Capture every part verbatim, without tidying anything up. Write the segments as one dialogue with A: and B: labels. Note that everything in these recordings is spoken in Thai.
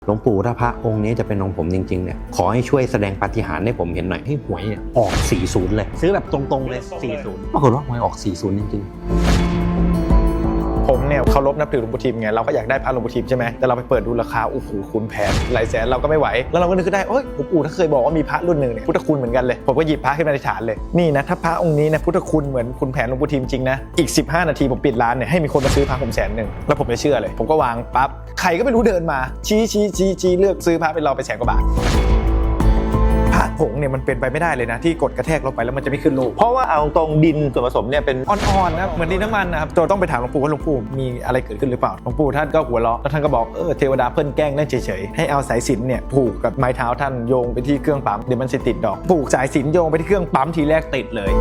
A: หลวงปู่ถ้าพระองค์นี้จะเป็นองค์ผมจริงๆเนี่ยขอให้ช่วยแสดงปาฏิหาริย์ให้ผมเห็นหน่อยให้หวยเนี่ยออกสี่สิบเลยซื้อแบบตรงๆเลยสี่สิบปรากฏว่าหวยออกสี่สิบจริงๆ
B: ผมเนี่ยเคารพนับถือหลวงปู่ทิมไงเราก็อยากได้พระหลวงปู่ทิมใช่ไหมแต่เราไปเปิดดูราคาโอ้โหคุณแพงหลายแสนเราก็ไม่ไหวแล้วเราก็นึกขึ้นได้เอ้ยหลวงปู่ถ้าเคยบอกว่ามีพระรุ่นหนึ่งเนี่ยพุทธคุณเหมือนกันเลยผมก็หยิบพระขึ้นมาในฐานเลยนี่นะถ้าพระองค์นี้นะพุทธคุณเหมือนคุณแผนหลวงปู่ทิมจริงนะอีกสิบห้านาทีผมปิดร้านเนี่ยให้มีคนมาซื้อพระผมแสนหนึ่งแล้วผมจะเชื่อเลยผมก็วางปั๊บใครก็ไม่รู้เดินมาชี้ชี้ชี้ชี้เลือกซื้อพระเป็นเราไปแสนกว่าบาทพระผงเนี่ยมันเป็นไปไม่ได้เลยนะที่กดกระแทกลงไปแล้วมันจะไม่ขึ้นรูป
C: เพราะว่าเอาตรงดินส่วนผสมเนี่ยเป็น
B: อ่อนๆครับเหมือนดินน้ำมันนะครับเราต้องไปถามหลวงปู่ว่าหลวงปู่มีอะไรเกิดขึ้นหรือเปล่าหลวงปู่ท่านก็หัวเราะแล้วท่านก็บอกเออเทวดาเพิ่นแกล้งนั่นเฉยๆให้เอาสายสิญจน์เนี่ยผูกกับไม้เท้าท่านโยงไปที่เครื่องปั๊มเดี๋ยวมันจะติดดอกผูกสายสิญจน์โยงไปที่เครื่องปั๊มทีแรกติดเลย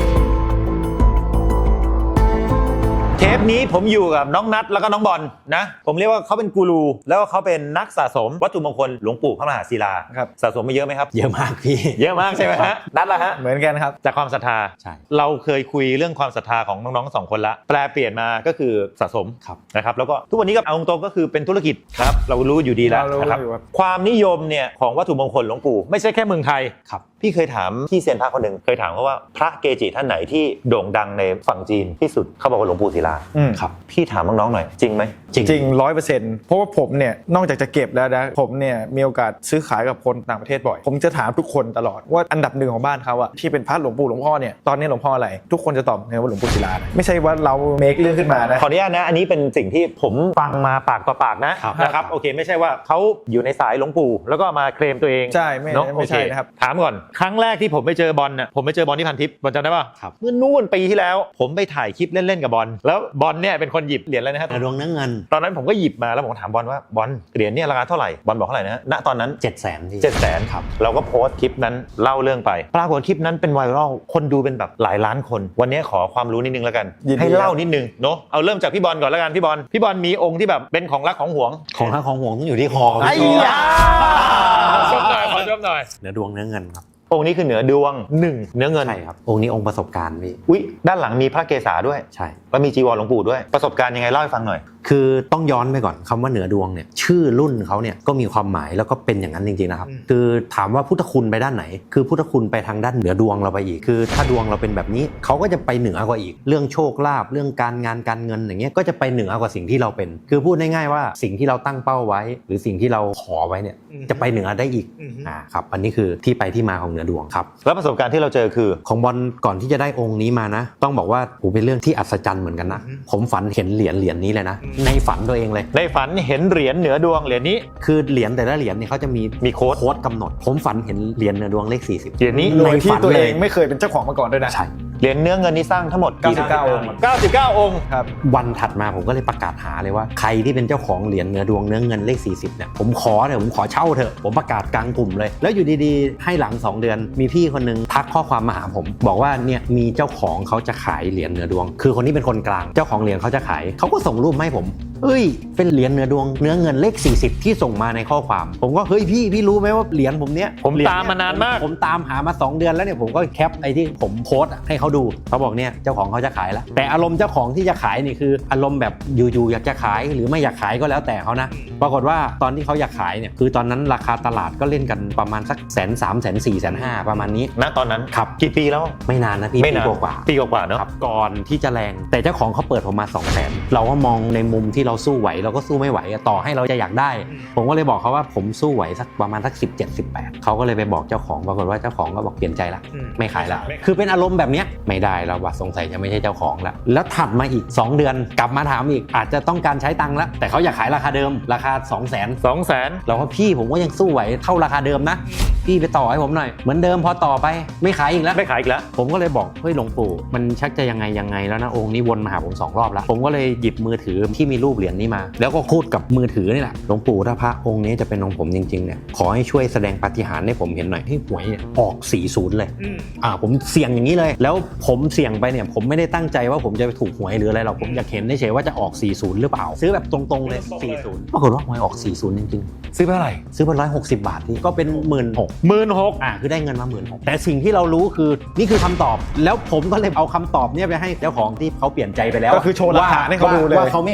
C: เทปนี้ผมอยู่กับน้องนัทแล้วก็น้องบอลนะผมเรียกว่าเขาเป็นกูรูแล้วก็เขาเป็นนักสะสมวัตถุมงคลหลวงปู่พระมหาศิลา
B: ครับ
C: สะสมมาเยอะไหมครับ
A: เยอะมากพี่
C: เยอะมากใช่ไหมฮะนัทละฮะ
B: เหมือนกันครับ
C: จากความศรัทธา
A: ใช่
C: เราเคยคุยเรื่องความศรัทธาของน้องๆสองคนละแปลเปลี่ยนมาก็คือสะสม
A: ครับ
C: นะครับแล้วก็ทุกวันนี้ก็เอาตรงๆก็คือเป็นธุรกิจครับเรารู้อยู่ดีแล้วนะครับความนิยมเนี่ยของวัตถุมงคลหลวงปู่ไม่ใช่แค่เมืองไทย
A: ครับ
C: พี่เคยถามพี่เซียนพระคนหนึ่งเคยถามเขาว่าพระเกจิท่านไหนที่โด่งดังในฝั่งจีนที่สุดเขาบอกว่าหลวงปู่ศิลา
A: ครับ
C: พี่ถามน้องๆหน่อยจริงไหม
B: จริงจริงร้อยเปอร์เซ็นต์เพราะว่าผมเนี่ยนอกจากจะเก็บแล้วนะผมเนี่ยมีโอกาสซื้อขายกับคนต่างประเทศบ่อยผมจะถามทุกคนตลอดว่าอันดับหนึ่งของบ้านเขาอะที่เป็นพระหลวงปู่หลวงพ่อเนี่ยตอนนี้หลวงพ่ออะไรทุกคนจะตอบไงว่าหลวงปู่ศิลาไม่ใช่ว่าเราเมคเรื่องขึ้นมานะ
C: ขออนุญาตนะอันนี้เป็นสิ่งที่ผมฟังมาปากต่อปากนะนะครับโอเคไม่ใช่ว่าเขาอยู่ในสายหลวงปู่แล้วก็มาเคลมตัวเอง
B: ใช่ไม่ไม่ใช่นะครับ
C: ถามก่อนครั้งแรกที่ผมไปเจอบอลน่ะผมไปเจอบอลที่พันทิพย์บอลจำได้ป่ะเมื่อนู่นปีที่แล้วผมไปถ่ายคลิปเล่นๆกับบอลแล้วบอลเนี่ยเป็นคนหยิบเหรียญอะไรนะครับ
A: ดวงเนื้อเงิน
C: ตอนนั้นผมก็หยิบมาแล้วผมถามบอลว่าบอลเหรียญเนี่ยราคาเท่าไหร่บอลบอกเท่าไหร่นะณตอนนั้น
A: เจ็ดแสนที่
C: เจ็ดแสนครับเราก็โพสต์คลิปนั้นเล่าเรื่องไปปรากฏคลิปนั้นเป็นไวรัลคนดูเป็นแบบหลายล้านคนวันนี้ขอความรู้นิดนึงแล้วกันให้เล่านิดนึงเนาะเอาเริ่มจากพี่บอลก่อนแล้วกันพี่บอลพี่บอลมีองค์ที่แบบเป็นของรักของหวง
A: ของรักของหวงต้องอยู่ที่คอ
C: ไอ้ยาชมหน่อยขอชมหน่อย
A: เนื้อดวงเนื้อเงินครับ
C: องค์นี้คือเหนือดวงหนึ่งเนื้อเงิน
A: ใช่ครับองค์นี้องค์ประสบการณ์พี่
C: อุ๊ยด้านหลังมีพระเกศาด้วย
A: ใช่
C: แล้วมีจีวรหลวงปู่ด้วยประสบการณ์ยังไงเล่าให้ฟังหน่อย
A: คือต้องย้อนไปก่อนคำว่าเหนือดวงเนี่ยชื่อรุ่นเขาเนี่ยก็มีความหมายแล้วก็เป็นอย่างนั้นจริงๆนะครับคือถามว่าพุทธคุณไปด้านไหนคือพุทธคุณไปทางด้านเหนือดวงเราไปอีกคือถ้าดวงเราเป็นแบบนี้เขาก็จะไปเหนือกว่าอีกเรื่องโชคลาภเรื่องการงานการเงินอย่างเงี้ยก็จะไปเหนือกว่าสิ่งที่เราเป็นคือพูดง่ายๆว่าสิ่งที่เราตั้งเป้าไว้หรือสิ่งที่เราขอไว้เนี่ยจะไปเหนือได้อีกอ่าครับอันนี้คือที่ไปที่มาของเหนือดวงครับ
C: แล้วประสบการณ์ที่เราเจอคือ
A: ของบอลก่อนที่จะได้องค์นี้มานะต้องบอกว่าโหเป็นเรื่องที่อัศจรรย์เหมือนกันนะผมฝันเห็นเหรียญเหรียญนี้เลยนะในฝันตัวเอง
C: ในฝันเห็นเหรียญเหนือดวงเหรียญนี้
A: คือเหรียญแต่ละเหรียญเนี่ยเขาจะมี
C: มีโค้ด
A: โค้ดกำหนดผมฝันเห็นเหรียญเหนือดวงเลขสี่สิบ
C: เหรียญนี้
B: โดยที่ตัวเองไม่เคยเป็นเจ้าของมาก่อนด้วยนะ
A: ใช่
C: เหรียญเนื้อเงินนี้สร้างทั้งหมด
B: เก้าสิบเก้าองค์
C: เก้าสิบเก้าองค์
B: ครับ
A: วันถัดมาผมก็เลยประกาศหาเลยว่าใครที่เป็นเจ้าของเหรียญเหนือดวงเนื้อเงินเลขสี่สิบเนี่ยผมขอเถอะผมขอเช่าเถอะผมประกาศกลางกลุ่มเลยแล้วอยู่ดีๆให้หลังสองเดือนมีพี่คนนึงทักข้อความมาหาผมบอกว่าเนี่ยมีเจ้าของเขาจะขายเหรียญเหนือดวงคือคนนี้เป็นคนกลางเจ้าของเหรียญเขาจะขายเขาก็ส่งรูปให้ผมเอ้ยเป็นเหรียญเนื้อดวงเนื้อเงินเลขสี่สิบที่ส่งมาในข้อความผมก็เฮ้ยพี่พี่รู้ไหมว่าเหรียญผมเนี้ย
C: ผมตามมานานมาก
A: ผมตามหามาสองเดือนแล้วเนี่ยผมก็แคปไอ้ที่ผมโพสต์ให้เขาดูเขาบอกเนี่ยเจ้าของเขาจะขายแล้วแต่อารมณ์เจ้าของที่จะขายนี่คืออารมณ์แบบอยู่ๆอยากจะขายหรือไม่อยากขายก็แล้วแต่เขานะปรากฏว่าตอนที่เขาอยากขายเนี่ยคือตอนนั้นราคาตลาดก็เล่นกันประมาณสักแสนสามแสนสี่แสนห้าประมาณนี้
C: ณตอนนั้น
A: ครับ
C: กี่ปีแล้ว
A: ไม่นานนะพี่ปีกว่า
C: ปีกว่าเนาะ
A: ก่อนที่จะแรงแต่เจ้าของเขาเปิดผมมาสองแสนเราก็มองในมุมที่เราสู้ไหวเราก็สู้ไม่ไหวต่อให้เราจะอยากได้ผมก็เลยบอกเขาว่าผมสู้ไหวสักประมาณสักสิบเจ็ด สิบแปดเขาก็เลยไปบอกเจ้าของปรากฏว่าเจ้าของก็บอกเปลี่ยนใจละไม่ขายละคือเป็นอารมณ์แบบเนี้ยไม่ได้แล้วว่าสงสัยจะไม่ใช่เจ้าของละแล้วถัดมาอีกสองเดือนกลับมาถามอีกอาจจะต้องการใช้ตังค์ละแต่เขาอยากขายราคาเดิมราคา สองแสน
C: สองแสน
A: เราก็พี่ผมก็ยังสู้ไหวเท่าราคาเดิมนะพี่ไปต่อให้ผมหน่อยเหมือนเดิมพอต่อไปไม่ขายอีกแล้ว
C: ไม่ขายอีกแล้ว
A: ผมก็เลยบอกเฮ้ยหลวงปู่มันชักจะยังไงยังไงแล้วนะองค์นี้วนมาหาผมสองรอบแล้วผมก็เลยหยิบมือถือที่มีรูปเหรียญนี้มาแล้วก็พูดกับมือถือนี่แหละหลวงปู่ถ้าพระองค์นี้จะเป็นองค์ผมจริงๆเนี่ยขอให้ช่วยแสดงปาฏิหาริย์ให้ผมเห็นหน่อยให้หวยเนี่ยออกสี่สิบเลยอ่าผมเสี่ยงอย่างนี้เลยแล้วผมเสี่ยงไปเนี่ยผมไม่ได้ตั้งใจว่าผมจะไปถูกหวยหรืออะไรหรอกผมอยากเห็นเฉยๆว่าจะออกสี่สิบหรือเปล่าซื้อแบบตรงๆเลยสี่สิบปรากฏว่าหวยออกสี่สิบจริงๆ
C: ซื้อไปเท่าไหร่
A: ซื้อไปหนึ่งร้อยหกสิบบาทที่ก็เป็น หนึ่งหมื่นหกพัน
C: หนึ่งหมื่นหกพัน
A: อ่าคือได้เงินมา หนึ่งหมื่นหกพัน แต่สิ่งที่เรารู้คือนี่คือคำตอบแล้วผมก็เลยเอาคำตอบเนี่ยไปให้เจ้าของที่เขาเปลี่ยนใจไปแล้ว
B: ก็คือโชว์หลักฐานให้เขาดูเลย
A: ว่าเขาไม่ขายแล้วอ่ะ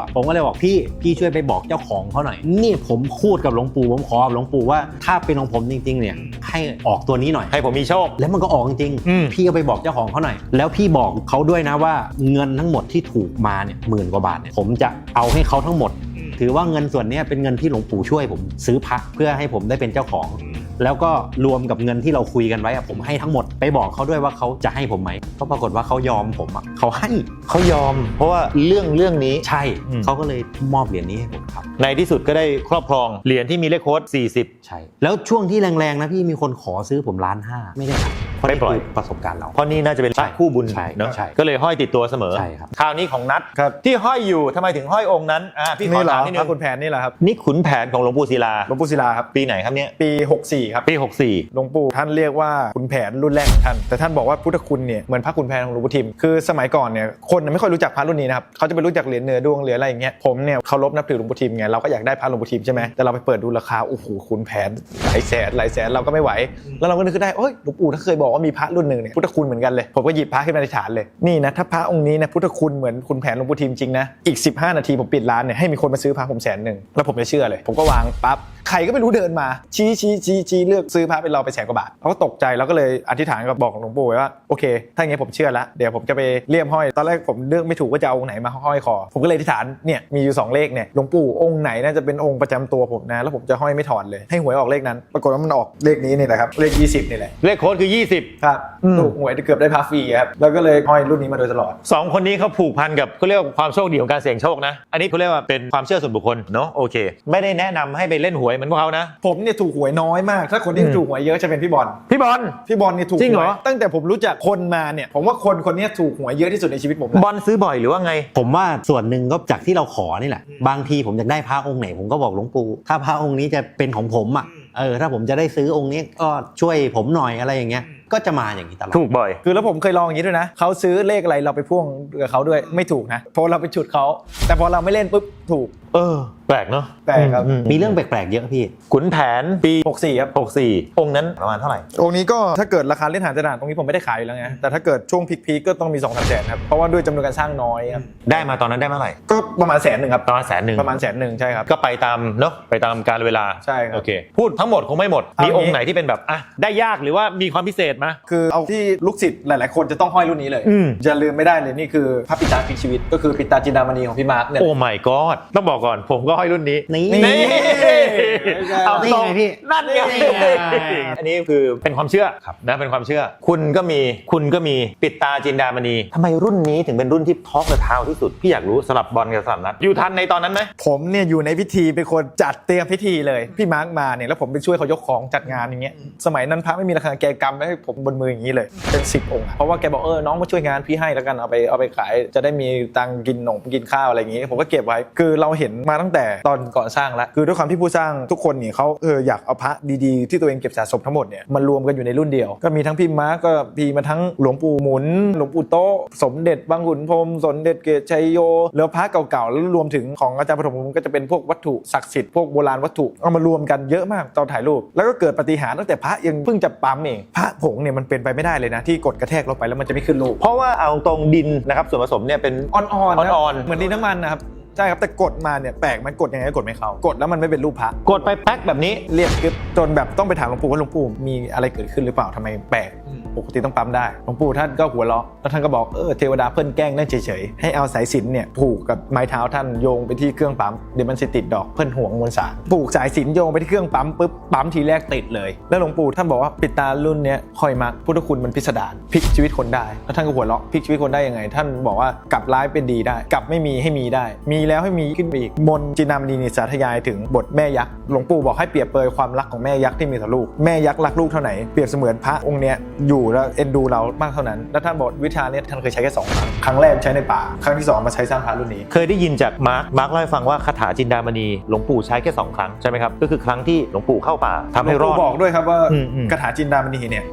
A: อะผมก็เลยบอกพี่พี่ช่วยไปบอกเจ้าของเขาหน่อยนี่ผมพูดกับหลวงปู่ผมขอกับหลวงปู่ว่าถ้าเป็นของผมจริงๆเนี่ยให้ออกตัวนี้หน่อย
C: ให้ผมมีโชค
A: แล้วมันก็ออกจริง
C: อืม
A: พี่ก็ไปบอกเจ้าของเขาหน่อยแล้วพี่บอกเขาด้วยนะว่าเงินทั้งหมดที่ถูกมาเนี่ยหมื่นกว่าบาทเนี่ยผมจะเอาให้เขาทั้งหมดถือว่าเงินส่วนนี้เป็นเงินที่หลวงปู่ช่วยผมซื้อพระเพื่อให้ผมได้เป็นเจ้าของแล้วก็รวมกับเงินที่เราคุยกันไว้อะผมให้ทั้งหมดไปบอกเขาด้วยว่าเขาจะให้ผมไหมก็ปรากฏว่าเขายอมผมอะเขาให้
C: เขายอม เพราะว่าเรื่องเรื่องนี้
A: ใช่
C: อืม
A: เขาก็เลยมอบเหรียญนี้ให้ผมครับ
C: ในที่สุดก็ได้ครอบครองเหรียญที่มีเลขโค้ดสี่สิบ
A: ใช่แล้วช่วงที่แรงๆนะพี่มีคนขอซื้อผมล้านห้าไม่ได้ครับเพราะ
C: ไม่
A: นี่
C: ปล่อย
A: คือประสบการณ์เรา
C: เพราะนี่น่าจะเป็น
A: ใช่
C: พระคู่บุญ
A: ใช่
C: เนาะ
A: ใช่
C: ก็เลยห้อยติดตัวเสมอ
A: ใช่ครับ
C: คราวนี้ของนัท
B: ครับ
C: ที่ห้อยอยู่ทำไมถึงห้อยองค์นั้นอ่าพี่ขอ
B: นี่เหร
C: ถา
B: อ
C: มนิด
B: พ
C: นึ
B: ระ
C: ง
B: ขุนแผนนี่แหละครับ
C: นี่ขุนแผนของหลวงปู่ศิลา
B: หลวงปู่ศิลาครับ
C: ปีไหนครับเนี่ย
B: ปีหกสี่ครับ
C: ปีหกสี่
B: หลวงปู่ท่านเรียกว่าขุนแผนรุ่นแรกของท่านแต่ท่านบอกว่าพุทธคุณเนี่ยเหมือนพระขุนแผนของหลวงปู่ทิมคือสมัยก่อนเนี่ยคนไม่ค่อยรู้จักพระรุ่นนี้นะครับเขาจะไปรู้จักเหรียญเนื้อดวงเหรียญอะไรอย่างเงี้ยผมเนี่ยเคารพนับถือหลวงปู่ทิมไงเราก็อยากได้พระหลวงปู่ทิมใช่ไหมแต่เราไปเปิดดูราคาโอ้โหขุนแผนหลายแสนหลายแสนเราก็ไม่ไหวแล้วเราก็นึกขึ้นได้เอ้ยหลวงปู่ท่านเคยบอกว่ามีพระรุ่นหนึ่งเนี่ยพุทธคุณเหมือนกันเลยผมก็หยิบพระขึ้นมาในฐานเลยนี่นะถ้าพระองค์นี้นะพุทธคุณเหมือนขุนแผนหลวงปู่ทิมจริงนะอีกสิบห้านาทีผมปิดร้านเนี่ยให้มีคนมาซื้อพระผมแสนหนึ่งแล้วผมจะเชื่อเลยผมก็วางปั๊บใครก็ไม่รู้เดินมาชี้ชี้ชี้ชี้เลือกซื้อพระเป็นเราไปแสนกว่าบาทเราก็ตกใจแล้วก็เลยอธิษฐานกับบอกหลวงปู่ไว้ว่าโอเคถ้าอย่างงี้ผมเชื่อแล้วเดี๋ยวผมจะไปเลี่ยมห้อยตอนแรกผมเลือกไม่ถูกว่าจะเอาองค์ไหนมาห้อยคอผมก็เลยอธิษฐานเนี่ยมีอยู่สองเลขเนี่ยหลวงปู่องค์ไหนน่าจะเป็นองค์ประจำตัวผมนะแล้วผมจะห้อยไม่ถอดเลยให้หวยออกเลขนั้นปรากฏว่ามันออกเลขนี้นี่แหละครับเลขยี่สิบนี่แหละ
C: เลขโค้ดคือยี่สิบ
B: ครับ
C: อืม
B: ถูกหวยเกือบได้พาฟรีครับแล้วก็เลยห้อยรุ่นนี้มาโดยตลอด
C: สองคนนี้เขาผูกพันกับเขาเรียกว่าความโชคดีของการเสี่ยงโชคนะอันนี้เขาเรียกว่าเป็นความเชื่อส่วนบุคคลเนาะโอเคไม่ได้แนะนำให้ไปเล่นหวยเหมือนพวกเขานะ
B: ผมเนี่ยถูกหวยน้อยมากถ้าคนที่
C: อืม
B: ถูกหวยเยอะจะเป็นพี่บอล
C: พี่บอล
B: พี่บอลเนี่ยถูก
C: จริงเหรอ
B: วยตั้งแต่ผมรู้จักคนมาเนี่ยผมว่าคนคนนี้ถูกหวยเยอะที่สุดในชีวิตผมนะ
C: บอลซื้อบ่อยหรือว่าไง
A: ผมว่าส่วนหนึ่งก็จากที่เราขอนี่แหละบางทีผมอยากได้พระองค์ไหนผมก็บอกหลวงปู่ถ้าพระองค์นี้จะเป็นของผมอ่ะเออถ้าผมจะได้ซื้อองค์นี้ก็ช่วยผมหน่อยอะไรอย่างเงี้ยก็จะมาอย่างนี้ตลอด
C: ถูกบ่อย
B: คือแล้วผมเคยลองอย่างนี้ด้วยนะเขาซื้อเลขอะไรเราไปพ่วงกับเขาด้วยไม่ถูกนะเพราะเราไปฉุดเขาแต่พอเราไม่เล่นปุ๊บถูก
C: เออแปลกเนาะ
B: แปลกครับ
C: อื
A: มีเรื่องแปลกๆเยอะพี่
C: ขุนแผนปี
B: หกสี่ครับ
C: หกสี่องค์นั้นประมาณเท่าไหร่
B: องค์นี้ก็ถ้าเกิดราคาเล่นหาจะด่านตรงนี้ผมไม่ได้ขายอยู่แล้วไงแต่ถ้าเกิดช่วงพีคๆก็ต้องมีสองสามแสนครับเพราะว่าด้วยจำนวนการสร้างน้อยครับ
C: ได้มาตอนนั้นได้เมื่อไหร่
B: ก็ประมาณแสนหนึ่งครับ
C: ประมาณแสนหนึ่ง
B: ประมาณแสนหนึ่งใช่ครับ
C: ก็ไปตามเนาะไปตามกาลเวลา
B: ใช่ครับ
C: โอเคพูดทั้งหมดคงไม่หมด
B: เอามี
C: มีองค์ไหนที่เป็นแบบอ่ะได้ยากหรือว่ามีความพิเศษไหม
B: คือเอาที่ลูกศิษย์หลาย ๆ คนจะต้องห้อยรุ่นนี้เลย
C: อืม
B: อย่าลืมไม่ได้เลยนี่คือพระปิตาพลิกชีวิตก็คือปิตาจินดามณีของพี่มาร์คเนี่ย
C: โอ้ my god ต้องบอกก่อนผมก็ห้อยรุ่นนี้
A: นี่
B: นี่
C: เอา
A: นี่
C: ตรง
A: ไงพี่
C: นั่นไง
A: นี่ไง
C: อันนี้คือเป็นความเชื่อนะเป็นความเชื่อ คุณก็มีคุณก็มีปิดตาจินดามณีทำไมรุ่นนี้ถึงเป็นรุ่นที่ท็อปเดอะทาวที่สุดพี่อยากรู้สลับบอลกับสลับนัดอยู่ทันในตอนนั้นไหม
B: ผมเนี่ยอยู่ในพิธีเป็นคนจัดเตรียมพิธีเลยพี่มาร์คมาเนี่ยแล้วผมไปช่วยเขายกของจัดงานอย่างเงี้ยสมัยนั้นพระไม่มีราคาแกกำไว้ให้ผมบนมืออย่างนี้เลยเป็นสิบองค์อะเพราะว่าแกบอกเออน้องมาช่วยงานพี่ให้แล้วกันเอาไปเอาไปขายจะได้มีตังค์กินหนมกินข้าวอะไรอย่างงี้ผมก็เก็บไว้คือเราเห็นมาตั้งแต่ตอนก่อนสร้างแล้วคือด้วยความที่ผู้สร้างทุกคนเนี่ยเขาเอออยากเอาพระดีๆที่ตัวเองเก็บสะสมทั้งหมดเนี่ยมารวมกันอยู่ในรุ่นเดียวก็มีทั้งพี่มาร์คก็มีมาทั้งหลวงปู่หมุนหลวงปู่โตะสมเด็จบางขุนพรหมสมเด็จเกศชัยโยแล้วพระเก่าๆแล้วรวมถึงของอาจารย์ปฐมภูมิก็จะเป็นพวกวัตถุศักดิ์สิทธิ์พวกโบราณวัตถุเอามารวมกันเยอะมากตอนถ่ายรูปแล้วก็เกิดปาฏิหาริย์ตั้งแต่พระยังเพิ่งจะปั๊มเองพระผงเนี่ยมันเป็นไปไม่ได้เลยนะที่กดกระแทกลงไปแล้วมันจะไม่ขึ้นรูป
C: เพราะว่าเอาตรงดินนะครับส่วนผสมเนี่ยเป็น
B: อ่อนๆนะ
C: อ่อนๆ
B: เหมือนดินน้ำมันนะครับใช่ครับแต่กดมาเนี่ยแปลกมันกดยังไงก็กดไม่เข้ากดแล้วมันไม่เป็นรูปพระ
C: กดไปแป๊กแบบนี้
B: เรียบกึ๊บจนแบบต้องไปถามหลวงปู่ว่าหลวงปู่มีอะไรเกิดขึ้นหรือเปล่าทำไมแปลกปกติต้องปั๊มได้หลวงปู่ท่านก็หัวเราะแล้วท่านก็บอกเออเทวดาเพิ่นแกล้งนั่นเฉยๆให้เอาสายสิญจน์เนี่ยผูกกับไม้เท้าท่านโยงไปที่เครื่องปั๊มเดี๋ยวมันสิติดดอกเพิ่นห่วงมวลสารผูกสายสิญจน์โยงไปที่เครื่องปั๊มปุ๊บปั๊มทีแรกติดเลยแล้วหลวงปู่ท่านบอกว่าปิดตารุ่นเนี้ยคอยมักพุทธคุณมันพิสดารพลิกชีวิตคนได้แล้วท่านก็หัวเราะพลิกชีวิตคนได้ยังไง ท่านบอกว่ากลับร้ายเป็นดีได้กลับไม่มีให้มีได้ มีแล้วให้มีขึ้นไปอีกมนต์จินดามณีนิสาธยายถึงบทแม่ยักษ์หลวงปู่บอกให้เปรียบเปรยความรักของแม่ยักษ์ที่มีต่อลูกแม่ยักษ์รักลูกเท่าไหนเปรียบเสมือนพระองค์เนี้ยอยู่แล้วเอ็นดูเรามากเท่านั้นแล้วท่านบอกวิชาเนี้ยท่านเคยใช้แค่สองครั้งครั้งแรกใช้ในป่าครั้งที่สองมาใช้สร้างพระรุ่นนี้
C: เคยได้ยินจากมาร์คมาร์คเล่าให้ฟังว่าคาถาจินดามณีหลวงปู่ใช้แค่สองครั้งใช่ไหมครับก็คือครั้งที่หลวงปู่เข้าป่าทำให้รอด
B: หลวงปู่บอกด้วยครับว่า
C: อืมอืม
B: คาถาจินดามณีเนี่ยแปลก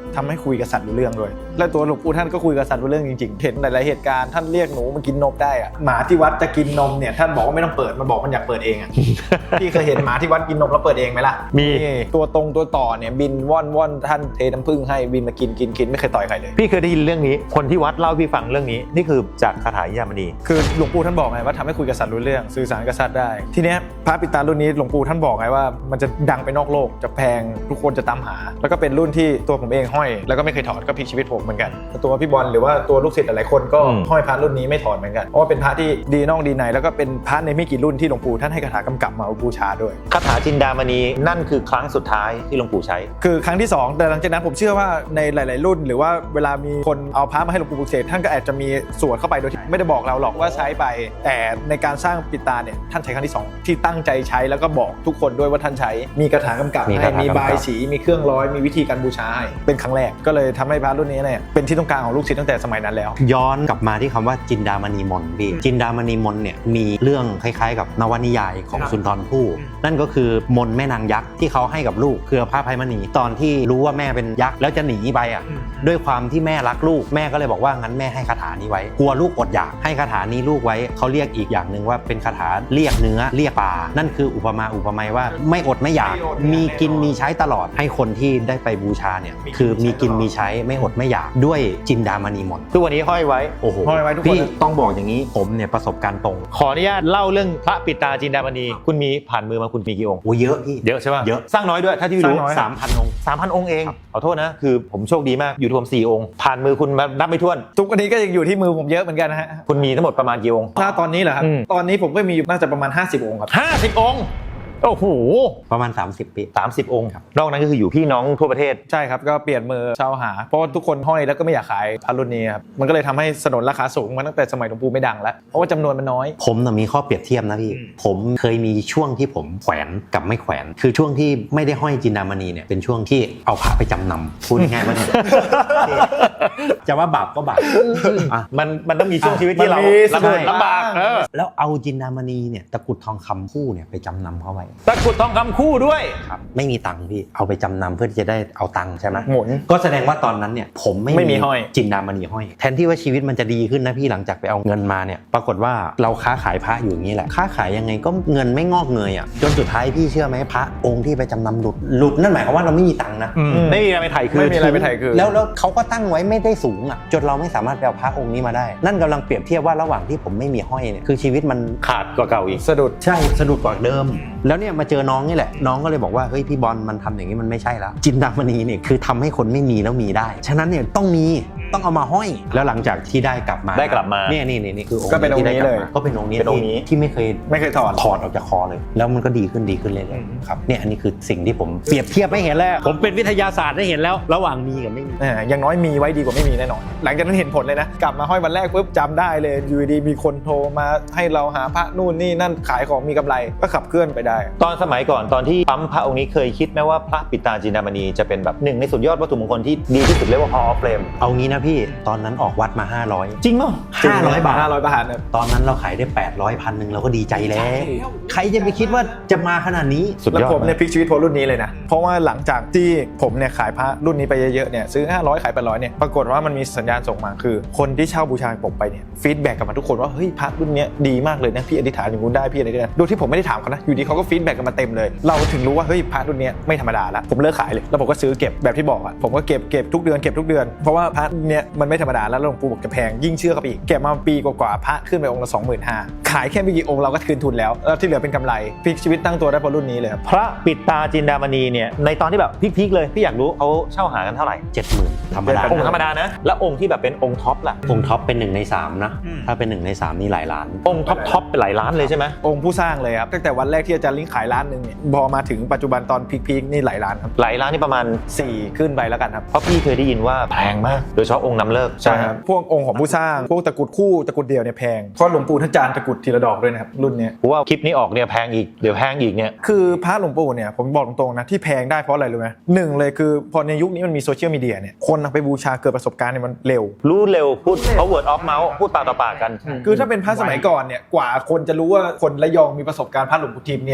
B: ทำให้คุยกับสัตว์รู้เรื่องด้วยและตัวหลวงปู่ท่านก็คุยกับสัตว์รู้เรื่องจริงๆเห็นหลายๆเหตุการณ์ท่านเรียกหนูมากินนมได้อะหมาที่วัดจะกินนมเนี่ยท่านบอกว่าไม่ต้องเปิดมันบอกมันอยากเปิดเองอะ พี่เคยเห็นหมาที่วัดกินนมแล้วเปิดเองไหมล่ะ
C: มี
B: ตัวตรงตัวต่อเนี่ยบินว่อนว่อนท่านเทน้ำผึ้งให้บินมากินกินกินไม่เคยต่อยใครเลย
C: พี่เคยได้ยินเรื่องนี้คนที่วัดเล่าพี่ฟังเรื่องนี้นี่คือจากคาถายิยามณี
B: คือหลวงปู่ท่านบอกไงว่าทำให้คุยกับสัตว์รู้เรื่องสื่อสารกับสัตว์ได้ทีเนี้ยพระปิดตารุ่นนี้หลวงปู่ท่านบอกไงว่ามันจะดังไปนอกโลกจะแพงทุกคนจะตามหาแล้วก็เป็นรุ่นที่ตัวผมเองห้อยแล้วก็ไม่เคยถอดก็พลิกชีวิตผมเหมือนกันตัวพี่บอลหรือว่าตัวลูกศิษย์หลายๆคนก็ห้อยพระรุ่นนี้ไม่ถอดเหมือนกันเพราะว่าเป็นพระที่ดีนอกดีในแล้วก็เป็นพระในไม่กี่รุ่นที่หลวงปู่ท่านให้คาถากำกับมาบูชาด้วย
C: คาถาจินดามณีนั่นคือครั้งสุดท้ายที่หลวงปู่ใช้
B: คือครั้งที่สองแต่หลังจากนั้นผมเชื่อว่าในหลาย ๆ รุ่น หรือว่าเวลามีคนเอาพระมาให้หลวงปู่ปลุกเสกท่านก็อาจจะมีสวดเข้าไปโดยที่ไม่ได้บอกเราหรอกว่าใช้ไปแต่ในการสร้างปิดตาเนี่ยท่านใช้ครั้งที่สองที่ตั้งใจใช้แล้วก็บอกทุกคนด้วยว่าท่านใช้มีคาถากำกับ
A: มี
B: ให้
A: คาถากำกับ
B: มีบายสีมีเครื่องร้อยมีวิธีการบูชาให้เป็นครั้งแรกก็เลยทำให้พระรุ่นนี้เนี่ยเป็นที่ต้องการของลูกศิษย์ตั้งแต่สมัยนั้นแล้ว
A: ย้อนกลับมาที่คำว่าจินดามณีมนต์พี่จินดามณีมนต์เนี่ยมีเรื่องคล้ายๆกับนวนิยายของสุนทรภู่นั่นก็คือมนต์แม่นางยักษ์ที่เขาให้กับลูกคือพระไพมณีตอนที่รู้ว่าแม่เป็นยักษ์แล้วจะหนีไปอ่ะด้วยความที่แม่รักลูกแม่ก็เลยบอกว่างั้นแม่ให้คาถานี้ไว้กลัวลูกอดอยากให้คาถานี้ลูกไว้เขาเรียกอีกอย่างหนึ่งว่าเป็นคาถาเรียกเนื้อเรียกปลานั่นคืออุปมาอุปไมยว่าไม่อดไม่อยากมีกินมีใช้ตลอดให้คนที่ได้ไปบูชาเนี่ยคือมีกินมีใช้ไม่อดไม่อยากด้วยจินดามณีมนต์
C: ทุกวันนี้ห้อยไว้
A: โอ้โห
B: ห้อยไว้ทุกคน
A: พี่ต้องบอกอย่างนี้ผมเนี่ยประสบการณ์ตรง
C: ขออนุญาตเล่าเรื่องพระปิดตาจินดามณีคุณมีผ่านมือมาคุณมีกี่องค์
A: โอ้เยอะพี่
C: เยอะใช่ป่ะ
A: เยอะ
C: สร้างน้อยด้วยถ้าที่รู้
B: สร้างน้อย
A: สามพันองค์
C: สามพันองค์เองขอโทษนะคือผมโชคดีมากอยู่ที่ผมสี่องค์ผ่านมือคุณมานับไม่ถ้วน
B: ทุกวันนี้ก็ยังอยู่ที่มือผมเยอะเหมือนกันนะฮะ
C: คุณมีทั้งหมดประมาณกี่องค์
B: ถ้าตอนนี้เหรอครับ
C: อืม
B: ตอนนี้ผมก็มีอยู่น่าจะประมาณห้าสิบองค์ครับ
C: ห้าสิบองค์โอ้โห
A: ประมาณสามสิบปี
C: สามสิบองค์นอกนั้นก็คืออยู่พี่น้องทั่วประเทศ
B: ใช่ครับก็เปลี่ยนมือเช่าหาเพราะว่าทุกคนห้อยแล้วก็ไม่อยากขายพระรุ่นนี้ครับมันก็เลยทำให้สนนราคาสูงมาตั้งแต่สมัยหลวงปู่ไม่ดังแล้วเพราะว่าจำนวนมันน้อย
A: ผมน่ะมีข้อเปรียบเทียบนะพี่ผมเคยมีช่วงที่ผมแขวนกับไม่แขวน คือช่วงที่ไม่ได้ห้อยจินดามณีเนี่ยเป็นช่วงที่เอาพระไปจำนำพูดง่ายๆว่าเนี่ยจะว่าบาปก็บาปอ่ะ
C: มันมันต้องมีช่วงชีวิตที่เรา
B: มันมีสะดุด
C: ลำบากเออ
A: แล้วเอาจินดามณีเนี่ยตะกรุดทองคำคู่เนี่ยไปจำนำเขาไว้
C: ตะกรุดทองคำคู่ด้วย
A: ครับไม่มีตังค์พี่เอาไปจำนำเพื่อที่จะได้เอาตังค์ใช่ไหม
B: หมุน
A: ก็แสดงว่าตอนนั้นเนี่ยผมไม่
B: ไม่มีห้อย
A: จินดามณีห้อยแทนที่ว่าชีวิตมันจะดีขึ้นนะพี่หลังจากไปเอาเงินมาเนี่ยปรากฏว่าเราค้าขายพระอยู่อย่างนี้แหละค้าขายยังไงก็เงินไม่งอกเงยอ่ะจนสุดท้ายพี่เชื่อไหมพระองค์ที่ไปจำนำหลุดหลุดนั่นหมายความว่าเราไม่มีตังค์นะ
C: ไม่มีอะไรไปถ่ายคืน
B: ไม่มีอะไรไปถ่ายคืน
A: แล้วแล้วเขาก็ตั้งไว้ไม่ได้สูงอ่ะจนเราไม่สามารถไปเอาพระองค์นี้มาได้ นั่นกำลังเปรียบเทียบว่าระหว่างที่ผมไม่มีห้อยเนี่ยคือชีวิตมัน
C: ขาดกว่าเก่าอีก
B: สะดุด
A: ใช่สะดุดกว่าเดิม แล้วเนี่ยมาเจอน้องนี่แหละน้องก็เลยบอกว่าเฮ้ยพี่บอลมันทำอย่างนี้มันไม่ใช่แล้วจินดามณีเนี่ยคือทำให้คนไม่มีแล้วมีได้ฉะนั้นเนี่ยต้องมีต้องเอามาห้อยแล้วหลังจากที่ได้กลับมา
C: ได้กลับมา
A: เนี่ยนี่นี่นี่คือองค์
B: ก็เป็นองค์นี้
A: ที่ได้กบ
B: เลย
A: มาก็เป็นองค์นี้
C: เป็นองค์นี้
A: ที่ที่ไม่เคย
B: ไม่เคยถอด
A: ถอดออกจากคอเลย แล้วมันก็ดีขึ้นดีขึ้นเรื่อยๆครับเนี่ยอันนี้คือสิ่งที่ผมเปรียบเทียบไม่เห็นแล้วผมเป็นวิทยาศาสตร์ได้เห็นแล้ว ระหว่างมีกับไม่มี
B: เอออย่างน้อยมีไว้ดีกว่าไม่มีแน่นอนหลังจากนั้นเห็นผลเลยนะกลับมาห้อยวันแรกปุ๊บจำได้เลยอยู่ดีมีคนโทรมาให้เราหาพระนู่นนี่นั่นขายของมีกำไรก็ขับเคลื่อนไปได้
C: ตอนสมัยก่อนตอนที่ปั๊มพระองค์นี้เคยคิดไหมว่าพระปิดตาจินดามณีจะเป็นแบบหนึ่งในสุดยอดวัตถุมงคลที่ดีที่สุดเรียกว่า Hall of Fame
A: เอางี้นะพี่ตอนนั้นออกวัดมาห้าร้อย
C: จริงมั้ย
A: ห้าร้อยบาท
B: ห้าร้อยบาทเนี่ย
A: ตอนนั้นเราขายได้แปดร้อยพันหนึ่งเราก็ดีใจแล้ว ใครจะไปคิดว่าจะมาขนาดนี้
C: สุด
B: แล้ว
C: ยอด
B: ผมเนี่ยพลิกชีวิตเพราะรุ่นนี้เลยนะเพราะว่าหลังจากที่ผมเนี่ยขายพระรุ่นนี้ไปเยอะๆเนี่ยซื้อห้าร้อยขายแปดร้อยเนี่ยปรากฏว่ามันมีสัญญาณส่งมาคือคนที่เช่าบูชาผมไปเนี่ยฟีดแบ็กกลับมาทุกคนว่าเฮ้ยพระรุ่นเนี้ยดีมากเลยนะพี่อธิษฐานอย่างนู้นได้พี่อะไรได้โดยที่ผมไม่ได้ถามเขานะอยู่ดีเขาก็ฟีดแบ็กกันมาเต็มเลยเราถึงรู้ว่าเฮ้ยพระรุ่นเนี้ยไม่ธรรมดาละผมเลิกขายเลยแล้วผมก็ซื้อเก็บแบบที่บอกอ่ะผมก็เก็บเก็บทุกเดือนเก็บทุกเดือนเพราะว่าพระเนี้ยมันไม่ธรรมดาแล้วหลวงปู่บอกจะแพงยิ่งเชื่อเข้าไปอีกเก็บมาปีกว่าๆพระขึ้นไปองค์ละ สองหมื่นห้าพัน ขายแค่ไม่กี่องค์เราก็คืนทุนแล้วแล้วที่เหลือเป็นกำไรพลิกชีวิตตั้งตัวได้เพราะรุ่นนี้เลยครับ
C: พระปิดตาจินดามณีเนี่ยในตอนที่แบบพีคๆเลยพี่อยากรู้เขาเช่าหากันเท่าไหร่
A: เจ็ดหมื่นธรรมดา
C: องค์ธรรมดานะแล้วองค์ที่แบบเป็นองค์ท็อปล่ะ
A: องค์ท็อปเป็นหนึ่งในสามนะถ้าเป็นหนึ่งในสามนี่หลายล้าน
C: องค์ท็อปท็อปเป็นหลายล้านเลยใช่ไหม
B: องค์ผู้สร้างเลยครับตั้งแต่วันแรกที่อาจารย์ลิงขายล้านหนึ่งเนี่ยพอมาถึงปัจจุบันตอนพีคๆนี่หลายล้านครับ
C: หลายล้านนี่ประมาณ
B: สี่ขึ้นไปแล้วกันครับ
C: เพราะพี่เคยได้ยินว่าแพงมากโดยเฉพาะองค์นำเลิก
B: ใช่ครับพวกองค์ของผู้สร้างพวกตะกรุดคู่ตะกรุดเดี่ยวเนี่ยแพงเพราะหลวงปู่ท่านจานตะกรุดทีละดอกด้วยนะครับรุ่นเนี้ย
C: เพราะว่าคลิปนี้ออกเนี่ยแพงอีกเดี๋ยวแพงอีกเนี่ย
B: คือพระหลวงปู่เนี่ยผมบอกตรงๆนะที่แพงได้เพราะอะไรรู้ไหมหนึ่งเลยคือพอในยุคนี้มันมีโซเชียลมีเดียเนี่ยคนเอาไปบูชาเกิดประสบการณ์เนี่ยมันเร็ว
C: รู้เร็วพูดเขา word of mouth พูดปากต่อปากกัน
B: คือถ้าเป็นพระสมัยก่อนเนี่ยกว่าคนจะรู้ว่าคนระยองมีประสบการณ์พระหลวงปู่ทิมเนี่ย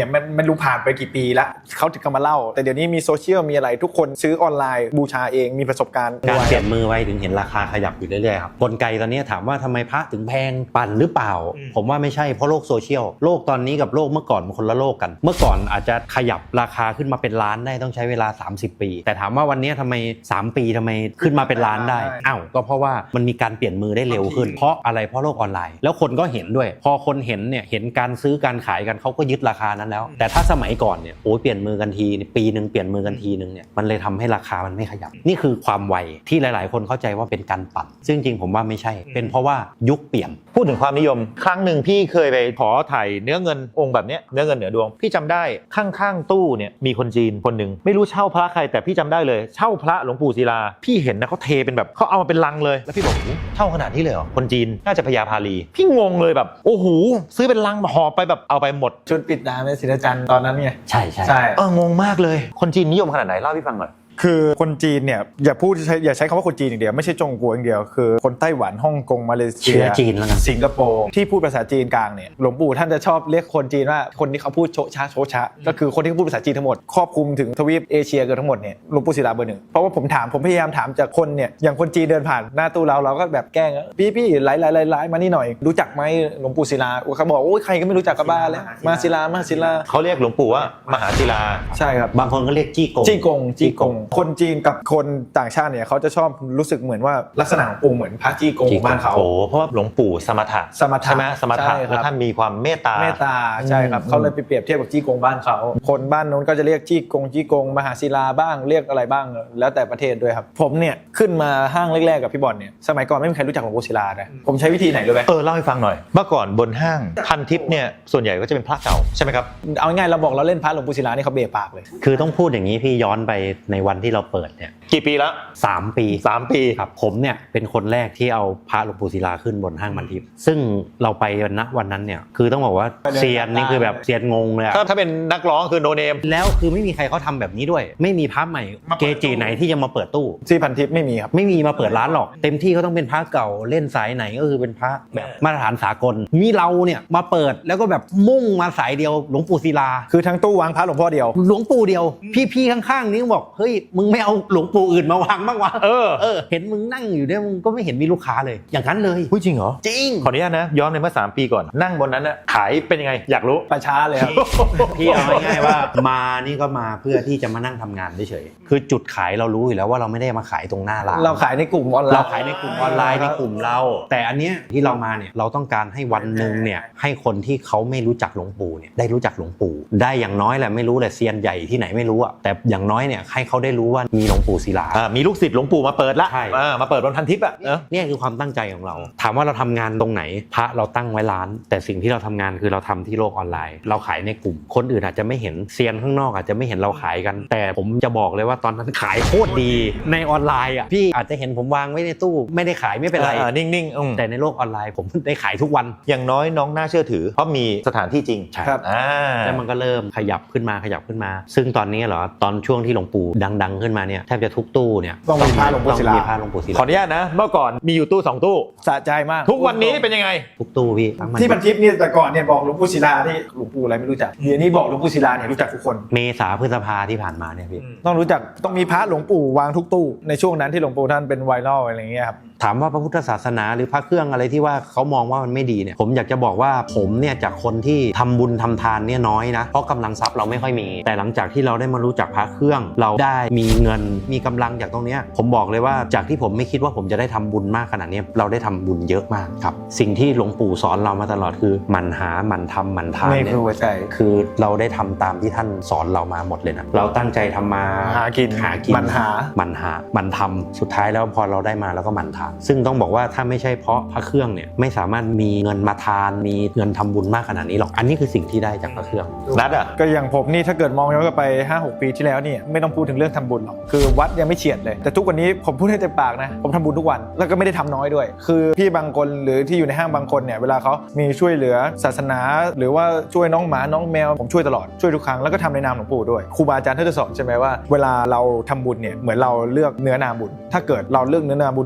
B: เนี่ยมันมันรู้ผ่านไปกี่ปีละเขาถึงมาเล่าแต่เดี๋ยวนี้มีโซเชียลมีอะไรทุกคนซื้อออนไลน์บูชาเองมีประสบการณ์
A: การเปลี่ยนมือไว้ถึงเห็นราคาขยับอยู่เรื่อยๆครับกลไกตอนนี้ถามว่าทำไมพระถึงแพงปั่นหรือเปล่าผมว่าไม่ใช่เพราะโลกโซเชียลโลกตอนนี้กับโลกเมื่อก่อนมันคนละโลกกันเมื่อก่อนอาจจะขยับราคาขึ้นมาเป็นล้านได้ต้องใช้เวลาสามสิบปีแต่ถามว่าวันนี้ทำไมสามปีทำไมขึ้นมาเป็นล้านได้อ้าวก็เพราะว่ามันมีการเปลี่ยนมือได้เร็วขึ้นเพราะอะไรเพราะโลกออนไลน์แล้วคนก็เห็นด้วยพอคนเห็นเนี่ยเห็นการซื้อการขายกันเขาก็ยึดราคานั้นแล้วแต่ถ้าสมัยก่อนเนี่ยโอ้ยเปลี่ยนมือกันทีปีนึงเปลี่ยนมือกันทีนึงเนี่ยมันเลยทำให้ราคามันไม่ขยับนี่คือความไวที่หลายๆคนเข้าใจว่าเป็นการปั่นซึ่งจริงผมว่าไม่ใช่เป็นเพราะว่ายุคเปลี่ยน
C: พูดถึงความนิยมครั้งหนึ่งพี่เคยไปขอถ่ายเนื้อเงินองค์แบบเนี้ยเนื้อเงินเหนือดวงพี่จำได้ข้างๆตู้เนี่ยมีคนจีนคนหนึ่งไม่รู้เช่าพระใครแต่พี่จำได้เลยเช่าพระหลวงปู่ศิลาพี่เห็นนะเขาเทเป็นแบบเขาเอามาเป็นลังเลยแล้วพี่บอกโอ้เช่าขนาดนี้เลยเหรอคนจีนน่าจะพญาพาลีพี่งงเลยแบบโอ้โหซื้อเป็นลังมาห่อไปแบบเอาไปหมด
B: ชุดปิดตาแม่ศิลจันทร์ตอนนั้นไง
A: ใช่ใช่
B: ใช่
C: เอองงมากเลยคนจีนนิยมขนาดไหนเล่าให้พี่ฟังหน่อย
B: คือคนจีนเนี่ยอย่าพูดใช้อย่าใช้คำว่าคนจีนอย่างเดียวไม่ใช่จงกัวอย่างเดียวคือคนไต้หวันฮ่องกงมาเลเซี
A: เชื้
B: ย
A: อจีนแล้วกัน
B: สิงคโปร์ที่พูดภาษาจีนกลางเนี่ยหลวงปู่ท่านจะชอบเรียกคนจีนว่าคนที่เขาพูดโชชะโชชะก็คือคนที่พูดภาษาจีนทั้งหมดครอบคลุมถึงทวีปเอเชียเกือบทั้งหมดเนี่ยหลวงปู่ศิลาเบอร์หนึ่งเพราะว่าผมถามผมพยายามถามจากคนเนี่ยอย่างคนจีนเดินผ่านหน้าตู้เราเราก็แบบแกล้งพี่พี่ไลฟ์ไลฟ์ไลฟ์มานี่หน่อยรู้จักไหมหลวงปู่ศิลาเขาบอกโอ้ยใครก็ไม่รู้จักกับบ้าแล้วมาศิลามาศิลา
C: เขาเรียกหลวงปู่ว่ามหาศิลา
B: ใช่ครับ
A: บางคนก็เรียกจี้กง
B: จี้กงจี้กงคนจีนกับคนต่างชาติเนี่ยเขาจะชอบรู้สึกเหมือนว่าลักษณะขององค์เหมือนพระจี้กงของบ้านเขา
C: โอ้เพราะว่าหลวงปู่สมถะ
B: สมถะ
C: ใช่ไหมสมถะ
B: ใช่ครับ
C: แล้วท่านมีความเมตตา
B: เมตตาใช่ครับเขาเลยไปเปรียบเทียบกับจี้กงบ้านเขาคนบ้านนู้นก็จะเรียกจี้กงจี้กงมหาศิลาบ้างเรียกอะไรบ้างแล้วแต่ประเทศด้วยครับผมเนี่ยขึ้นมาห้างแรกๆกับพี่บอลเนี่ยสมัยก่อนไม่มีใครรู้จักหลวงปู่ศิลานะผมใช้วิธีไหนรู้ไหม
C: เออเล่าให้ฟังหน่อยเมื่อก่อนบนห้างพันทิพย์เนี่ยส่วนใหญ่ก็จะเป็นพระเก่าใช่ไหมครับ
B: เอาง่ายๆเราบอกเราเล่นพระหลวงปู่ศิลานี่เขาเบะปากเลย
A: คือต้องพูดอย่างนี้พี่ย้อนไปในวันที่เราเปิดเนี่ย
C: กี่ปีแล้ว
A: สามปี
C: สามปี
A: ครับผมเนี่ยเป็นคนแรกที่เอาพระหลวงปู่ศิลาขึ้นบนห้างมันทิพย์ซึ่งเราไปณวันนั้นเนี่ยคือต้องบอกว่าเซียนนี่คือแบบเซียนงงเลยอะ
C: ถ้าถ้าเป็นนักร้องคือโนเนม
A: แล้วคือไม่มีใครเขาทำแบบนี้ด้วย ไม่มีพระใหม่เกจิไหนที่จะมาเปิดตู้
B: ที่พันทิพย์ไม่มีครับ
A: ไม่มีมาเปิดร้านหรอกเต็มที่เขาต้องเป็นพระเก่าเล่นสายไหนก็คือเป็นพระแบบมาตรฐานสากลมีเราเนี่ยมาเปิดแล้วก็แบบมุ่งมาสายเดียวหลวงปู่ศิลา
B: คือทั้งตู้วางพระหลวงพ่อเดียว
A: หลวงปู่เดียว พี่ๆข้างๆนี่บอกเฮ้ยมึงไม่เอาหลวงปู่อื่นมาวางบ้างวะ
C: เออ
A: เออเห็นมึงนั่งอยู่เนี่ยมึงก็ไม่เห็นมีลูกค้าเลย อย่างนั้นเลย
C: พูดจริงเหรอ
A: จริง
C: ขออนุญาตนะย้อนไปเมื่อสามปีก่อนนั่งบนนั้นนะขายเป็นยังไงอยากรู้
B: ประช้าเลยครับ
A: พี่เอาง่ายๆว่ามานี่ก็มาเพื่อที่จะมานั่งทำงานเฉยๆคือจุดขายเรารู้อยู่แล้วว่าเราไม่ได้มาขายตรงหน้าร้าน
B: เราขายในกลุ่มออนไลน์
A: เราขายในกลุ่มออนไลน์ในกลุ่มเรา แต่อันเนี้ยที่เรามาเนี่ยเราต้องการให้วันหนึ่งเนี่ยให้คนที่เขาไม่รู้จักหลวงปู่เนี่ยได้รู้จักหลวงปู่ได้อย่างน้อยแหละไม่รู้แหละเซียนใหญ่ที่ไหนไม่รู้อะแต่อย่างน้อยเนี่ยให้เขาได้รู้ว่ามีหลวงปู่ศิลา
C: อ่ามีลูกศิษย์หลวงปู่มาเปิดละ
A: ใช่
C: อ่ามาเปิดบนพันทิพย์อ่ะเออ
A: เนี่ยคือความตั้งใจของเรา ถามว่าเราทำงานตรงไหนพระเราตั้งไว้ร้าน แต่สิ่งที่เราทำงานคือเราทำที่โลกออนไลน์ เราขายในกลุ่มคนอื่นอาจจะไม่เห็นเซียนข้างนอกอาจจะไม่เห็นเราขายกัน แต่ผมจะบอกเลยว่าตอนนั้นขายโคตรดีในออนไลน์อ่ะพี่อาจจะเห็นผมวางไว้ในตู้ไม่ได้ขายไม่เป็นไร
C: อ่านิ่งๆอืม
A: แต่ในโลกออนไลน์ผมได้ขายทุกวัน
C: อย่างน้อยน้องน่าเชื่อถือเพราะมีสถานที่จริง
A: ใช่
B: ครับ
C: อ่า
A: แล้วมันก็เริ่มขยับขึ้นมาขยับขึ้นมา ซึ่งตอนนี้เหรอตอนช่วงที่หลวงปู่ดังๆขึ้นมาเนี่ยแทบจะทุกตู้เนี่ย
B: ต้องมีพระหลวงปู่ศิลา
A: ต้องมีพระหลวงปู่ศิ
C: ขอ
A: ลา
C: อนุญาตนะเมื่อก่อนมีอยู่ตู้สองตู้
B: สะใจมาก
C: ทุกวันนี้เป็นยังไง
A: ทุกตู้พี่ทั้งมัน
B: ที่พันทิพย์นี่แต่ก่อนเนี่ยบอกหลวงปู่ศิลาที่หลวงปู่อะไรไม่รู้จักเดี๋ยวนี้บอกหลวงปู่ศิลาเนี่ยรู้จักทุกคน
A: เมษาพฤษภาที่ผ่านมาเนี่ยพี่
B: ต้องรู้จักต้องมีพระหลวงปู่วางทุกตู้ในช่วงนั้นที่หลวงปู่ท่านเป็นไวรัลอะไรอย่างเงี้ยครับ
A: ถามว่าพระพุทธศาสนาหรือพระเครื่องอะไรที่ว่าเขามองว่ามันไม่ดีเนี่ยผมอยากจะบอกว่าผมเนี่ยจากคนที่ทำบุญทำทานเนี่ยน้อยนะเพราะกำลังทรัพย์เราไม่ค่อยมี แต่หลังจากที่เราได้มารู้จักพระเครื่อง เราได้มีเงินมีกำลังจากตรงเนี้ยผมบอกเลยว่าจากที่ผมไม่คิดว่าผมจะได้ทำบุญมากขนาดนี้เราได้ทำบุญเยอะมากครับสิ่งที่หลวงปู่สอนเรามาตลอดคือหมั่นหาหมั่นทำหมั่นทาน
B: นี่
A: เนี่
B: คื
A: ย
B: อหัวใจ
A: คือเราได้ทำตามที่ท่านสอนเรามาหมดเลยนะเราตั้งใจทำมา
B: หากิน
A: หากิน
B: หมั่นหา
A: หมั่นหาหมั่นทำสุดท้ายแล้วพอเราได้มาแล้วก็หมั่นทานซึ่งต้องบอกว่าถ้าไม่ใช่เพราะพระเครื่องเนี่ยไม่สามารถมีเงินมาทานมีเงินทำบุญมากขนาดนี้หรอกอันนี้คือสิ่งที่ได้จากพระเครื่อง
C: นัดอ่ะ
B: ก็อย่างผมนี่ถ้าเกิดมองย้อนกลับไป ห้าหก ปีที่แล้วเนี่ยไม่ต้องพูดถึงเรื่องทำบุญหรอกคือวัดยังไม่เฉียดเลยแต่ทุกวันนี้ผมพูดให้เต็มปากนะผมทำบุญทุกวันแล้วก็ไม่ได้ทำน้อยด้วย คือพี่บางคนหรือที่อยู่ในห้างบางคนเนี่ยเวลาเขามีช่วยเหลือศาสนาหรือว่าช่วยน้องหมาน้องแมวผมช่วยตลอดช่วยทุกครั้งแล้วก็ทำในนามหลวงปู่ด้วยครูบาอาจารย์ท่านจะสอนใช่ไหมว่าเวลาเราทำบุญเนี่ยเหมือนเราเลือกเนื้อนาบุญถ้าเกิดเราเลือกเนื้อนาบุญที่ดีเนี่ย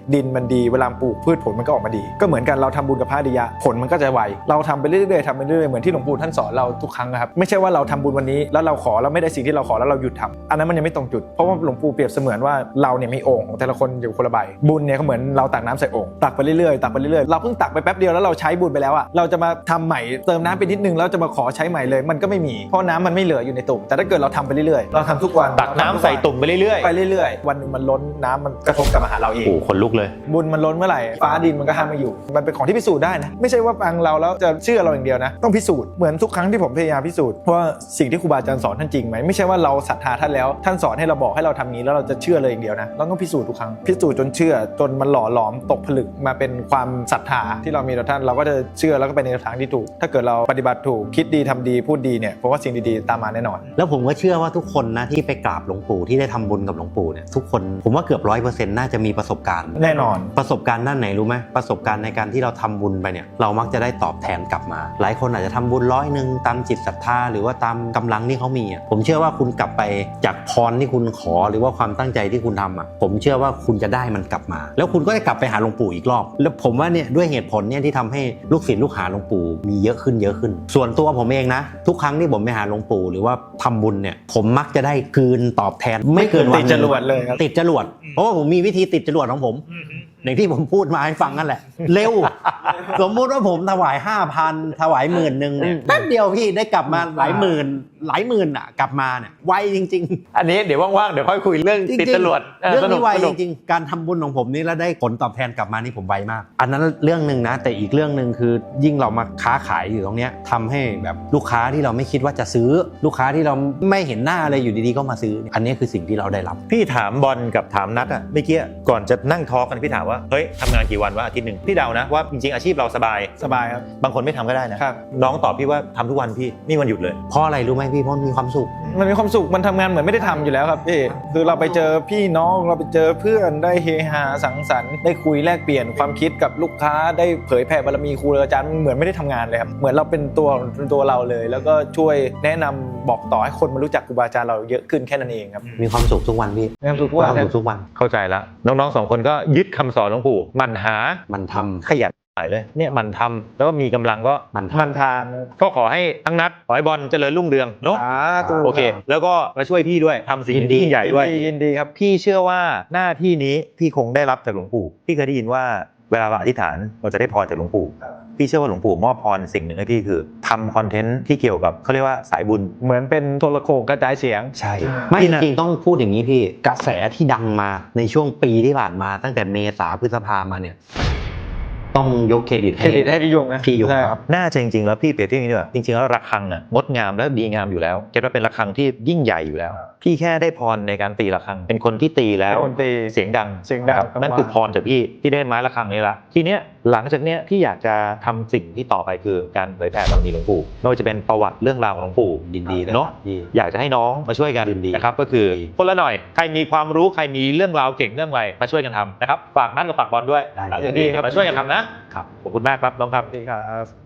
B: ดินมันดีเวลาปลูกพืชผลมันก็ออกมาดีก็เหมือนกันเราทำบุญกับพระอริยะผลมันก็จะไวเราทำไปเรื่อยๆทำไปเรื่อยๆเหมือนที่หลวงปู่ท่านสอนเราทุกครั้งครับไม่ใช่ว่าเราทำบุญวันนี้แล้วเราขอแล้วไม่ได้สิ่งที่เราขอแล้วเราหยุดทำอันนั้นมันยังไม่ตรงจุดเพราะว่าหลวงปู่เปรียบเสมือนว่าเราเนี่ยมีโอ่งของแต่ละคนอยู่คนละใบบุญเนี่ยก็เหมือนเราตักน้ำใส่โอ่งตักไปเรื่อยๆตักไปเรื่อยๆเราเพิ่งตักไปแป๊บเดียวแล้วเราใช้บุญไปแล้วอ่ะเราจะมาทำใหม่เติมน้ำไปนิดนึงแล้วจะมาขอใช้ใหม่เลยมันก็ไม่มีเพราะน้ำมันไม่เหลืออยู่ในตุ่มแต่ถ้าเกิดเราทำไปเรื่อยๆเราทำทุกวัน
C: ตักน้ำใส่ตุ่มไปเรื่อย
B: ไปเรื่อยๆวันนึงมันล้นน้ำมันกระทบกับมาหาเราเอง
C: โอ้คนลุกเลย
B: บุญมันล้นเมื่อไหร่ฟ้าดินมันก็ห้ามไม่อยู่มันเป็นของที่พิสูจน์ได้นะไม่ใช่ว่าฟังเราแล้วจะเชื่อเราอย่างเดียวนะต้องพิสูจน์เหมือนทุกครั้งที่ผมพยายามพิสูจน์ว่าสิ่งที่ครูบาอาจารย์สอนท่านจริงไหมไม่ใช่ว่าเราศรัทธาท่านแล้วท่านสอนให้เราบอกให้เราทำงี้แล้วเราจะเชื่อเลยอย่างเดียวนะเราต้องพิสูจน์ทุกครั้งพิสูจน์จนเชื่อจนมันหล่อหลอมตกผลึกมาเป็นความศรัทธาที่เรามีต่อท่านเราก็จะเชื่อแล้วก็ไปในทางที่ถูกถ้าเกิดเราปฏิบัติถูกคิดดีทำดีพูดดีเนี่ยเพราะว่าสิ่งดีๆตามมาแน่นอน
A: แล้วผมก็เชื่อว่าทุกคนนะที่ไปกราบหลวงปู่ที่ได้ทำบุญกับหลวงปู่เนี่ยทุกคนผมว่าเกือบร้อยเปอร์เซ็นต์น่าจะมีประสบการณ์
B: แน่นอน
A: ประสบการณ์ด้านไหนรู้ไหมประสบการณ์ในการที่เราทำบุญไปเนี่ยเรามักจะได้ตอบแทนกลับมา หลายคนอาจจะทำบุญร้อยหนึ่งตามจิตศรัทธาหรือว่าตามกำลังที่เขามีอ่ะผมเชื่อว่าคุณกลับไปจากพรที่คุณขอหรือว่าความตั้งใจที่คุณทำอ่ะผมเชื่อว่าคุณจะได้มันกลับมา แล้วคุณก็จะกลับไปหาหลวงปู่อีกรอบแล้วผมว่าเนี่ยด้วยเหตุผลเนี่ยที่ทำให้ลูกศิษย์ลูกหาหลวงปู่มีเยอะขึ้นเยอะขึ้น ส่วนตัวผมเองนะทุกครั้งที่ผมไปหาหลวงปู่หรือว่าทำบุญเนี่ยผมมักจะได้คืนตอบแทนไม่เกินวัน
B: ติดจรวดเลยครับ
A: ติดจรวดเพราะว่าผมมีวิธีติดจรวดของผมอย่างที่ผมพูดมาให้ฟังนั่นแหละเร็ว สมมุติว่าผมถวาย ห้าพัน ถวายหมื่นนึงเนี่ยแป๊บเดียวพี่ได้กลับมาหลายหมื่นหลายหมื่นอ่ะกลับมาเนี่ยไวจริงๆ
C: อันนี้เดี๋ยวว่างๆเดี๋ยวค่อยคุยเรื่องติดจรวด
A: เรื่องนี้ไว
C: ส
A: จ
C: นุก
A: ริงๆการทำบุญของผมนี่แล้วได้ผลตอบแทนกลับมานี่ผมไวมากอันนั้นเรื่องนึงนะแต่อีกเรื่องนึงคือยิ่งเรามาค้าขายอยู่ตรงเนี้ยทำให้แบบลูกค้าที่เราไม่คิดว่าจะซื้อลูกค้าที่เราไม่เห็นหน้าอะไรอยู่ดีๆก็มาซื้ออันนี้คือสิ่งที่เราได้รับ
C: พี่ถามบอลกับถามนัทอะเมื่อกี้ก่อนจะนั่งทอล์กกันพี่ถามว่าเฮ้ยทำงานกี่วันวะอาทิตย์หนึ่งพี่เดานะว่าจริงๆอาชีพเราสบาย
B: สบายครับ
C: บางคนไม่ทำก็ได้นะครับ น้องตอบพี่ว่าทำทุกวันพี่ไม่มีวันหยุดเลย
A: เพราะอะไรรู้ไหมพี่เพราะมีความสุข
B: มันมีความสุขมันทำงานเหมือนไม่ได้ทำอยู่แล้วครับพี่คือเราไปเจอพี่น้องเราไปเจอเพื่อนได้เฮฮาสังสรรค์ได้คุยแลกเปลี่ยนความคิดกับลูกค้าได้เผยแผ่บารมีครูอาจารย์เหมือนไม่ได้ทำงานเลยครับเหมือนเราเป็นตัวเป็นตัวเราเลย แล้วก็ช่วยแนะนำบอกต่อให้คนมารู้จักครูบาอาจารย์เราเยอะขึ้นแค่นั้นเองครับ
A: มีความสุขทุกวันพี่
B: มีความสุข
A: มี
B: ว่า
A: ความสุขทุกวัน
C: เข้าใจแล้วน้องๆสองคนก็ยึดคำสอนหลวงปู่หมั่นหา
A: มันทำ
C: ขยันหายเลยเนี่ยหมันทำแล้วก็มีกำลังก็
A: มัน
B: มันทาน
C: ก็ขอให้ทั้งนัดขอให้บอลเจริญรุ่งเรืองเนาะ
B: สาธุ
C: โอเค แล้วก็มาช่วยพี่ด้วยทำสิ่ง
A: ยินดี
C: ที่ยิ่งใหญ่ด้วย
B: ยินดีครับ
C: พี่เชื่อว่าหน้าที่นี้พี่คงได้รับจากหลวงปู่พี่เคยได้ยินว่าเวลาเราอธิษฐานเราจะได้พรจากหลวงปู่พี่เชื่อว่าหลวงปู่มอบพรสิ่งหนึ่งให้พี่คือทำคอนเทนต์ที่เกี่ยวกับเขาเรียกว่าสายบุญ
B: เหมือนเป็นโทรโขงกระจายเสียง
C: ใช่
A: ไม่จ
C: พี่นะ
A: ริงๆต้องพูดอย่างนี้พี่กระแสที่ดังมาในช่วงปีที่ผ่านมาตั้งแต่เมษาพฤษภามาเนี่ยต้องยกเครดิต
B: เครดิตให้พี่ยงนะ
A: พี่ยง
B: ใช่ครับ
C: น่าจะจริงๆแล้วพี่เปรียบเทียบอย่างนี้ด้วยจริงๆแล้วระฆังอ่ะงดงามและดีงามอยู่แล้วเก็ตว่าเป็นระฆังที่ยิ่งใหญ่อยู่แล้ว พี่แค่ได้พรในการตีระฆังเป็นคนที่ตีแล้ว
B: เป็นคนตี
C: เสียงดัง
B: เสียงดัง
C: ครับนั่นคือพรจากพี่ที่ได้ไม้ระฆังนี้ละทีเนี้ยหลังจากเนี้ยพี่อยากจะทำสิ่งที่ต่อไปคือการเผยแผ่บารมีหลวงปู่ไม่ว่าจะเป็นประวัติเรื่องราวของหลวงปู่
A: ยินดีเลย
C: เนาะ
A: พี่
C: อยากจะให้น้องมาช่วยกัน
A: ยินดี
C: นะครับก็คือคนละหน่อยใครมีความรู้ใครมีเรื่องราวเก่งเรื่องอะไรมาช่วยกันทำนะครับฝากนัดกับฝากบอลด้วย
A: ได้
C: หลังจากนี้มาช่วยกันทำนะครับ ขอบคุณมากครับน้องครับ
B: สวัสดีครับ